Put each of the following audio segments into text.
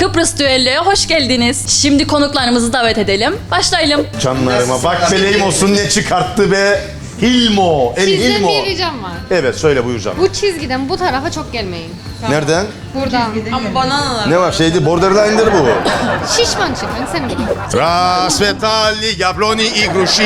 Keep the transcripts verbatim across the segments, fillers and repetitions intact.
Kıbrıs düelloya hoş geldiniz. Şimdi konuklarımızı davet edelim. Başlayalım. Canlarıma bak beleyim olsun ne çıkarttı be. Hilmo, El Sizden Hilmo. bir ricam var. Evet söyle buyur canım. Bu çizgiden bu tarafa çok gelmeyin. Nereden? Buradan. Ama bananalar. Ne var şeydi borderline'dir bu. Şişman çıkın sen mi? Rasvetali jabloni igrushi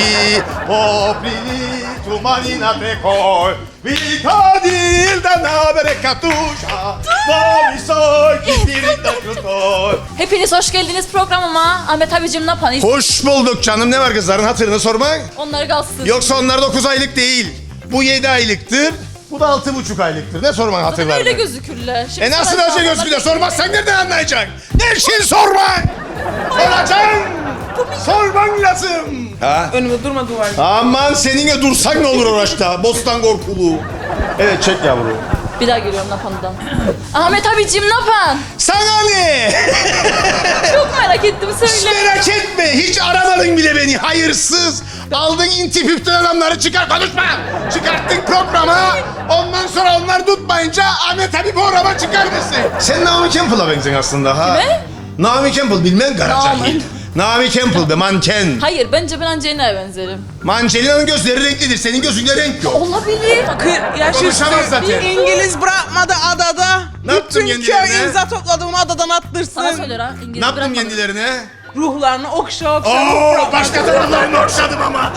Poplini tumanina prekol Vitadil da nabere katusha Novisoy kitirinda krutol. Hepiniz hoş geldiniz programıma. Ahmet abicim ne yapalım? Hoş bulduk canım. Ne var kızların hatırını sormak? Onları kalsın. Yoksa onlar dokuz aylık değil. Bu yedi aylıktır. Bu da altı buçuk aylık. Ne sorman Zaten hatırlar öyle mı? gözükürler. Şimdi E nasıl sana öyle sormalar- gözüküyor? Sormazsan nereden anlayacaksın? Ne için sormak? Soracaksın. Sorman lazım. Ha? Önüme durma duvar. Aman seninle dursak ne olur oraçta? Bostan korkulu. Evet çek yavru. Bir daha geliyorum Napan'dan. Ahmet abicim ne yapan? Sana ne? Çok merak ettim Hiç söyle. merak etme. Hiç aramadın bile beni. Hayırsız. Aldın inti püftün adamları çıkar konuşma. Çıkarttın programa. Ondan sonra onlar tutmayınca Ahmet abi programa çıkar mısın? Sen Naomi Campbell'a benziyorsun aslında ha. Kime? Naomi Campbell bilmem garacahil. Naomi. Naomi Campbell be manken. Hayır bence ben Angelina'ya benzerim. Mancelina'nın gözleri renklidir. Senin gözünde renk yok. Olabilir. kırk yaş Konuşamaz üstü zaten. İngiliz bırakmadı adada. Ne yaptın Bütün kendilerine? köy imza topladı onu adadan attırsın. Sana söyler ha. İngiliz Ne yaptın bırakmadım. kendilerine? Ruhlarını okşa okşa. Oo, başka taraflarını okşadım ama.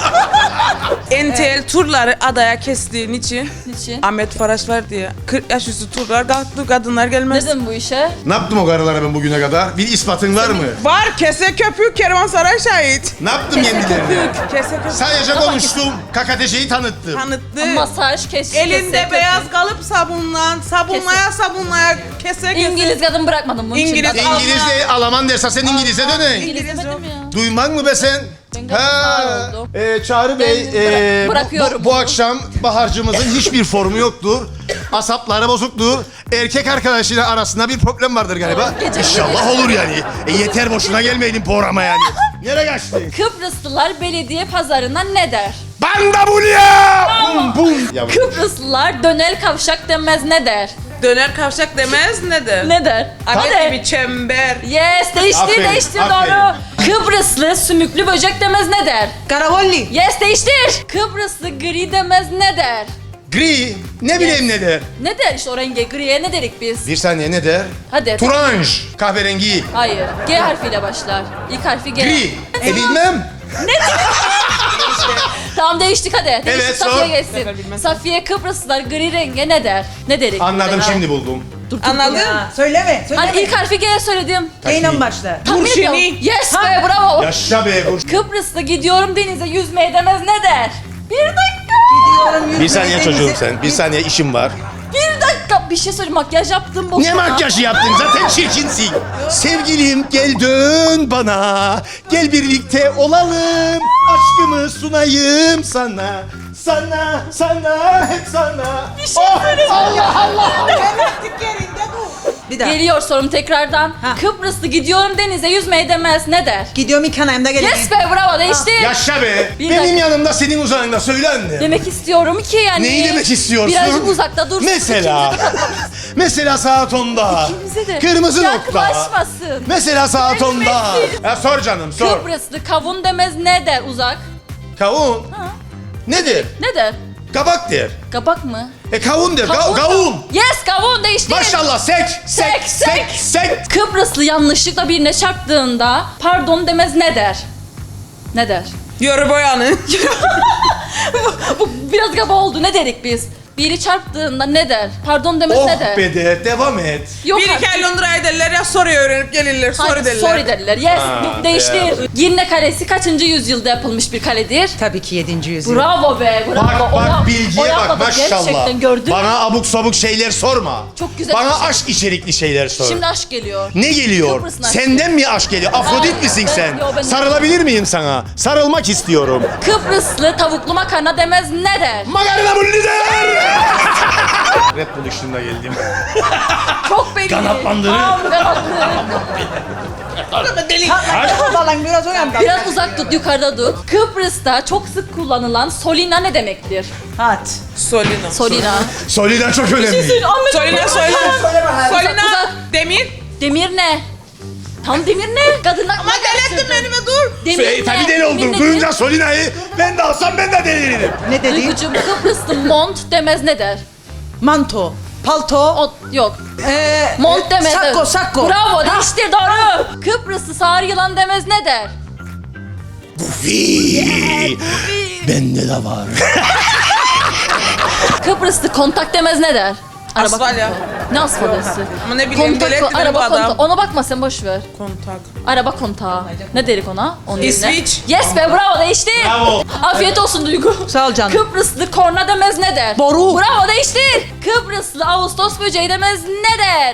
N T L turları adaya kestiğin için Niçin? Ahmet Faraş var diye kırk yaş üstü turlar kalktı kadınlar gelmez. Neden bu işe? Ne yaptım o karılara ben bugüne kadar? Bir ispatın var mı? Var kese köpük Kervansaray şahit. Ne yaptım kendilerine? Kese köpük Sadece konuştum. Kakateşeyi tanıttım. tanıttı. Masaj, kes, Elinde kese, beyaz kese. kalıp sabunlan, sabunlaya sabunlaya kese kese. İngiliz kadın bırakmadım bunun İngiliz- için. İngilizce, Alaman dersen sen İngiliz'e dönün. İngiliz İngiliz demedim yok. ya. Duymak mı be sen? Ben gayet sağır oldum. Ee, Çağrı Bey, Ben bıra- ee, bu- bırakıyorum bu, bu bunu. akşam Bahar'cımızın hiçbir formu yoktur. Asapları bozuktur. Erkek arkadaşıyla arasında bir problem vardır galiba. Gece- İnşallah olur yani. E yeter boşuna gelmeyelim programa yani. Nereye kaçtın? Kıbrıslılar belediye pazarına ne der? Bandabulya! Bum bum. Yavrum. Kıbrıslılar dönel kavşak demez ne der? Döner kavşak demez nedir? Ne der? Ahmet Hadi. gibi çember. Yes değişti Aferin, değişti aferin. doğru. Kıbrıslı sümüklü böcek demez ne der? Karavolli. Yes değiştir. Kıbrıslı gri demez ne der? Gri. Ne bileyim ne der? Ne der işte o renge griye ne dedik biz? Bir saniye ne der? Hadi. Turanj. Kahverengi. Hayır. G harfiyle başlar. İlk harfi G. Gri. E bilmem. Tamam değiştik hadi. Değiştik, Evet, Safiye sor. geçsin. bilmez. Safiye Kıbrıslılar gri renge ne der? Ne dedik? Anladım şimdi buldum. Anladın? Ya, söyleme, söyleme. Hani ilk harfi G söyledim. Yayından başla. Tahmin Burşini. ediyorum. Yes be bravo. Yaşa be. bu- Kıbrıs'ta gidiyorum denize yüzmeye demez ne der? Bir dakika. Gidiyorum, Bir saniye yüzmeye çocuğum denize- sen. Bir saniye işim var. Bir dakika. Bir şey söyleyeyim makyaj yaptım boşuna. Ne makyajı yaptın? Zaten çirkinsin. Sevgilim gel dön bana. Gel birlikte olalım. Aşkımı sunayım sana. Sana, sana, hep sana. Bir şey söyleyeyim. Allah Allah. Hemencik yerinde dur. Bir daha. Geliyor sorum tekrardan. Ha. Kıbrıs'ta gidiyorum denize yüzmeye demez ne der? Gidiyorum ilk anayımda geleceğim. Yes be bravo değişti. Yaşa be. Bir Benim dakika. yanımda senin uzağında söyle anne. Demek istiyorum ki yani. Neyi demek istiyorsun? Birazcık uzakta dur. Mesela. Mesela saat onda. İkimize de. Kırmızı nokta. Yaklaşmasın. Mesela saat onda. Gelmesin. Ya sor canım sor. Kıbrıslı kavun demez ne der uzak? Kavun. Ha. Nedir? Ne der? Kabak der. Kabak mı? E kavun der. Ka- Kavun. kavun. Yes kavun değişti. Maşallah sek sek Sek, sek sek. sek. Kıbrıslı yanlışlıkla birine çarptığında pardon demez ne der? Ne der? Yoru boyanı. Bu biraz kaba oldu. Ne dedik biz? Biri çarptığında ne der? Pardon demez ne Oh der? be de devam et. Yok Bir artık. iki ay Londra'ya derler ya soruyu öğrenip gelirler. Hayır, Soru derler. sorry derler. Yes, Ha, bu- değiştir. ya. Girne Kalesi kaçıncı yüzyılda yapılmış bir kaledir? Tabii ki yedinci yüzyıl. Bravo be, bravo. Bak bak Oya- bilgiye oyaladı, bak maşallah. Gerçekten gördün mü? Bana abuk sabuk şeyler sorma. Çok güzel Bana bir şey. aşk içerikli şeyler sor. Şimdi aşk geliyor. Ne geliyor? Kıbrıs'ın aşkı. Senden mi aşk geliyor? Afrodit Hayır, misin ben- sen? yo, ben- Sarılabilir miyim sana? Sarılmak istiyorum. Kıbrıslı tavuklu makarna demez ne der? Magarina bu lider! Red Bull işinde geldim. Çok belli. Kanatlandırır. Tam kanatlı. Falan biraz o yandan. Biraz uzak tut, yukarıda tut. Kıbrıs'ta çok sık kullanılan solina ne demektir? Hat. Solina. Solina. Solida çok önemli. Solina söyle. Söyle bakalım. Solina. uzak. Demir. Demir ne? Tam demir ne? Kadınlar Ama delirttin beni mi dur? Demir Şey, ne? tabii deli oldum. Demir ne? Duyunca Solina'yı ben de alsam ben de deliririm. Ne dedi? Duygucuğum Kıbrıslı mont demez ne der? Manto, palto, O yok. ee, Mont demez. sakko, sakko. Bravo değiştir doğru. Kıbrıslı sarı yılan demez ne der? Bufi. Bende de var. Kıbrıslı kontak demez ne der? Asfalya. kontağı. Ne asfalyası? Ama ne bileyim, Kontak, delirtti beni bu araba adam. kontağı. Ona bakma sen boş ver. Kontak. Araba kontağı. Ne derik ona? Onun yerine? İsviç. Yes be bravo değiştir. Bravo. Afiyet olsun Duygu. Sağ ol canım. Kıbrıslı korna demez ne der? Boru. Bravo değiştir. Kıbrıslı Ağustos böceği demez ne der?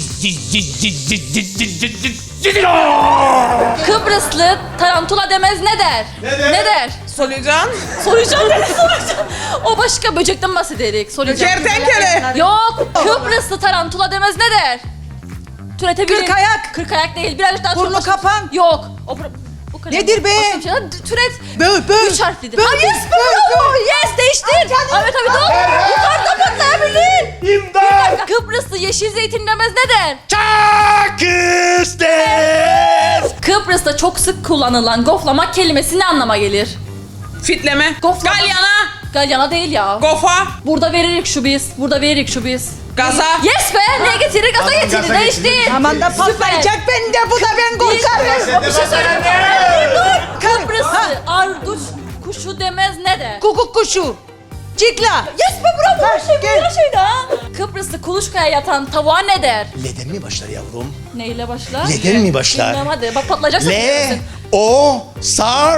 Kıbrıslı tarantula demez ne der? Ne der? Ne der? Solucan. Soracağım dedi soracağım. O başka böcekten bahsederik. Soracağım. Kertenkele. Yok. Kıbrıslı tarantula demez ne der? Türetebilir. Kırk ayak. Kırk ayak değil. Birazcık daha Burnu türet- kapan. Yok. O, bur- bu kadar. Nedir be? Başka bir şey. Hadi Türet. Böl, böl. Üç harflidir. Böl, Ha, yes be böl, bravo. Yes değiştir. Evet abi dur. Yukarıda patlayabilir. İmdat. Kıbrıslı yeşil zeytin demez ne der? Çakıstes. Kıbrıs'ta çok sık kullanılan goflamak kelimesi ne anlama gelir? Fitleme. Goflama. Galyana. Galyana değil ya. Gofa. Burada veririk şu biz. Burada veririk şu biz. Gaza. Yes be! Ne getirir? Gaza Adam getirir. gaza Değiştir. getirir. Aman da patlayacak ben de bu da ben korkarım. Bir şey söyleyeyim. Dur. Kıbrıslı arduç kuşu demez ne der? Kukuk kuşu. Cikla. Yes be bravo. Ha, Her şey gel. her şeyde ha. Kıbrıslı kuluçkaya yatan tavuğa ne der? Leden mi başlar yavrum? Neyle başlar? Leden mi başlar? Bilmem hadi. Bak patlayacaksın. Le, o, sar,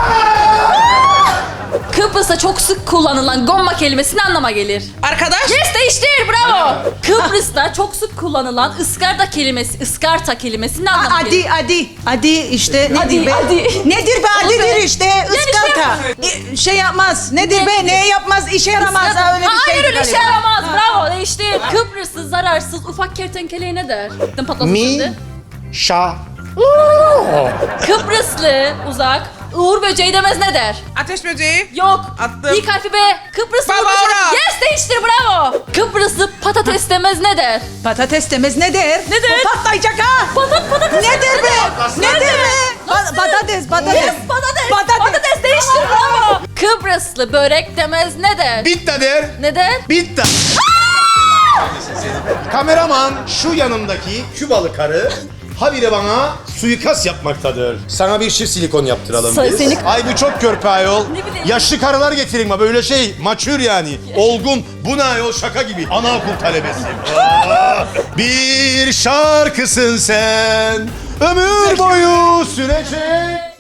Kıbrıs'ta çok sık kullanılan gomma kelimesi ne anlama gelir? Arkadaş. Yes değiştir bravo. Kıbrıs'ta çok sık kullanılan ıskarta kelimesi, ıskarta kelimesi ne anlama gelir? Adi, adi. Adi işte nedir Adi, be? adi. Nedir be? Adi be. Adidir işte. Iskarta. İ- Şey yapmaz. Nedir be? Ne yapmaz? İşe yaramaz. Ha, öyle bir Hayır şeydi öyle şey galiba. yaramaz. Bravo değiştir. Kıbrıs'ı zararsız ufak kertenkeleye ne der? Gittim patlasın şimdi. mi, şa. Kıbrıslı uzak uğur böceği demez ne der? Ateş böceği. Yok. Attım. İlk harfi B. Kıbrıslı uğur Barbara. böceği. Yes değiştir bravo. Kıbrıslı patates demez ne der? Patates demez ne der? Ne der? O patlayacak ha. Patat patates. Ne der be? Ne der be? Nasıl? Pa- Patates, patates. Yes patates. Patates. Patates değiştir bravo. Kıbrıslı börek demez ne der? Bitta der. Ne der? Bitta. Kameraman şu yanımdaki Kübalı karı habire bana suikast yapmaktadır. Sana bir çift silikon yaptıralım Sa- biz. seni- Ay bu çok körpe ayol. Ne bileyim. Yaşlı karılar getirin ma böyle şey maçür yani. Olgun. Bu ne ayol şaka gibi. Anaokul talebesiyim. Aa, bir şarkısın sen. Ömür boyu sürecek.